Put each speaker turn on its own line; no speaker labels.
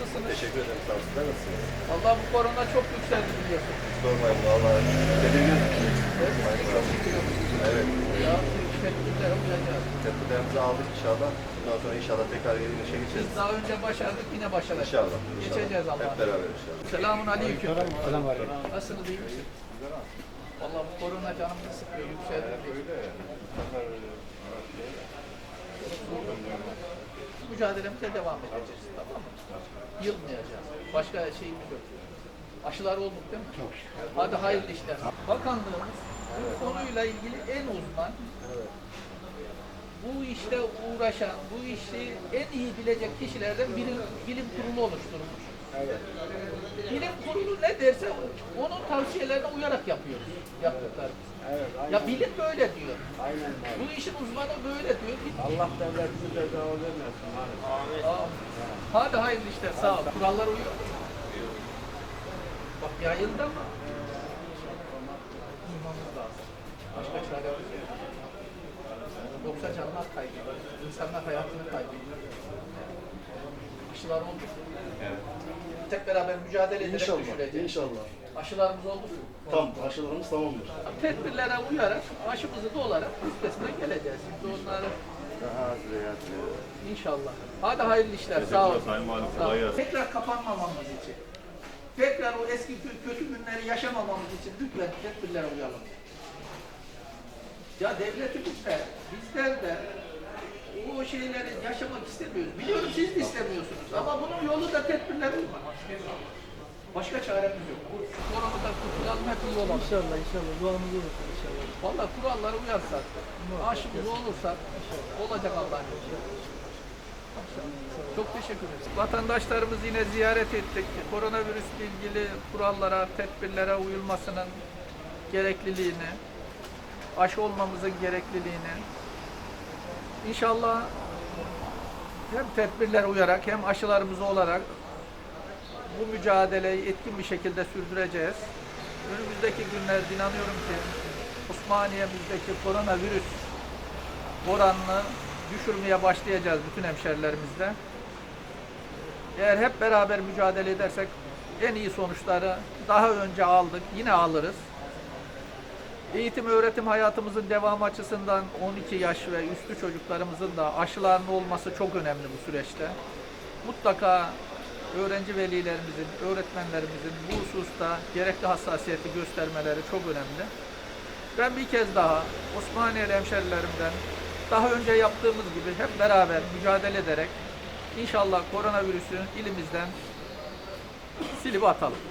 nasılsınız?
Teşekkür ederim. Sağ olun. Sizler nasılsınız?
Vallahi bu korona çok yükseldi biliyorsun.
Sormayın valla. Tedirgin.
Çok yükseldi.
Evet.
Ya tedbirlere uyacağız.
Tedbirlerimizi aldık inşallah. Bundan sonra inşallah tekrar yeni işe
Biz
geçeceğiz.
daha önce başardık, yine başaracağız.
İnşallah.
Geçeceğiz
Hep
Allah'a.
beraber inşallah.
Selamun aleyküm.
Selam var.
Nasılsınız, iyi misiniz? Vallahi bu korona canımızı sıkıyor, yükseldi. Mücadelemize devam edeceğiz, tamam mı? Yılmayacağız. Başka şeyimiz yok. Aşılar olduk değil mi? Çok şükür. Hadi hayırlı işler. Bakanlığımız bu konuyla ilgili en uzman, bu işte uğraşan, bu işi en iyi bilecek kişilerden bilim kurulu oluşturmuş. Bilim kurulu ne derse onun tavsiyelerine uyarak yapıyoruz. Yaptıklarımız. Ya bilim böyle diyor.
Aynen.
Bu işin uzmanı böyle diyor.
Allah devletimize cezalı vermesin.
Aa, hadi hayırlı işler, sağ ol. Kurallara uyuyor musun? Bak yayında mı? Uymamız lazım. Başka çaremiz yok. Yoksa canlar kaybediyor. İnsanlar hayatını kaybediyor. Aşılar oldu.
Evet.
Tek beraber mücadele ederek
İnşallah,
düşüreceğiz.
inşallah.
Aşılarımız oldu mu?
Tam, aşılarımız tamamdır.
Tedbirlere uyarak, aşımızı da olarak üstesinden geleceğiz. Şimdi onları
Daha az veya
İnşallah. Hadi hayırlı işler. Sağ olun.
Sayın Valim,
Sağ olun.
kolay gelsin.
Tekrar kapanmamamız için, tekrar o eski kötü günleri yaşamamamız için lütfen tedbirlere uyalım. Ya devletimiz de, bizler de o şeyleri yaşamak istemiyoruz. Biliyorum siz de istemiyorsunuz ama bunun yolu da tedbirler uymak. Başka çaremiz yok. Şu koronadan kurtulalım, hep iyi olalım.
İnşallah inşallah duamız olur inşallah.
Vallahi kurallara uyarsak, aşımız olursa olacak Allah'ın izniyle. Çok teşekkür ederiz. Vatandaşlarımız yine ziyaret ettik. Koronavirüsle ilgili kurallara, tedbirlere uyulmasının gerekliliğini, aşı olmamızın gerekliliğini, İnşallah hem tedbirlere uyarak hem aşılarımız olarak bu mücadeleyi etkin bir şekilde sürdüreceğiz. Önümüzdeki günlerde inanıyorum ki Osmaniye'mizdeki koronavirüs oranını düşürmeye başlayacağız bütün hemşerilerimizle. Eğer hep beraber mücadele edersek en iyi sonuçları daha önce aldık, yine alırız. Eğitim öğretim hayatımızın devamı açısından 12 yaş ve üstü çocuklarımızın da aşılarının olması çok önemli bu süreçte. Mutlaka öğrenci velilerimizin, öğretmenlerimizin bu hususta gerekli hassasiyeti göstermeleri çok önemli. Ben bir kez daha Osmaniyeli hemşerilerimden daha önce yaptığımız gibi hep beraber mücadele ederek inşallah koronavirüsü ilimizden silip atalım.